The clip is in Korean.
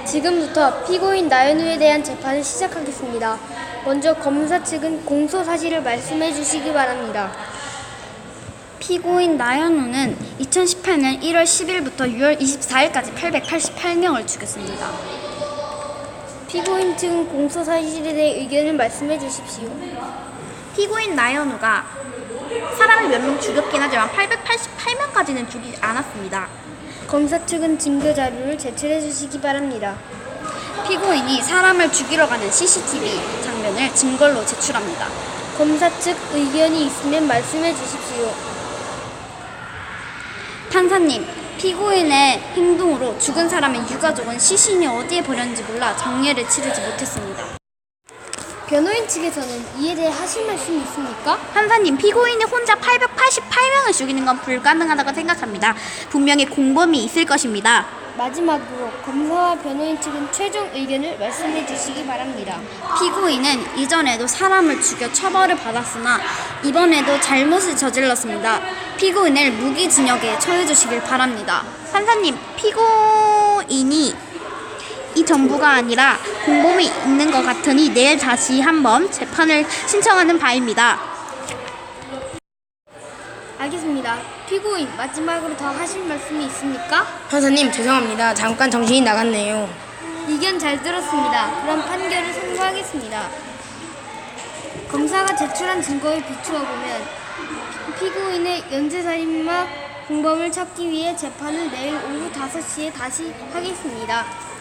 지금부터 피고인 나연우에 대한 재판을 시작하겠습니다. 먼저 검사 측은 공소 사실을 말씀해 주시기 바랍니다. 피고인 나연우는 2018년 1월 10일부터 6월 24일까지 888명을 죽였습니다. 피고인 측은 공소 사실에 대해 의견을 말씀해 주십시오. 피고인 나연우가 사람을 몇 명 죽였긴 하지만 888명까지는 죽이지 않았습니다. 검사 측은 증거 자료를 제출해 주시기 바랍니다. 피고인이 사람을 죽이러 가는 CCTV 장면을 증거로 제출합니다. 검사 측 의견이 있으면 말씀해 주십시오. 판사님, 피고인의 행동으로 죽은 사람의 유가족은 시신이 어디에 버렸는지 몰라 정례를 치르지 못했습니다. 변호인 측에서는 이에 대해 하실 말씀이 있습니까? 판사님, 피고인이 혼자 888명을 죽이는 건 불가능하다고 생각합니다. 분명히 공범이 있을 것입니다. 마지막으로 검사와 변호인 측은 최종 의견을 말씀해 주시기 바랍니다. 피고인은 이전에도 사람을 죽여 처벌을 받았으나 이번에도 잘못을 저질렀습니다. 피고인을 무기징역에 처해 주시길 바랍니다. 판사님, 피고인이 이 전부가 아니라 공범이 있는 것 같으니 내일 다시 한번 재판을 신청하는 바입니다. 알겠습니다. 피고인 마지막으로 더 하실 말씀이 있습니까? 판사님, 죄송합니다. 잠깐 정신이 나갔네요. 의견 잘 들었습니다. 그럼 판결을 선고하겠습니다. 검사가 제출한 증거에 비추어 보면 피고인의 연쇄살인마 공범을 찾기 위해 재판을 내일 오후 5시에 다시 하겠습니다.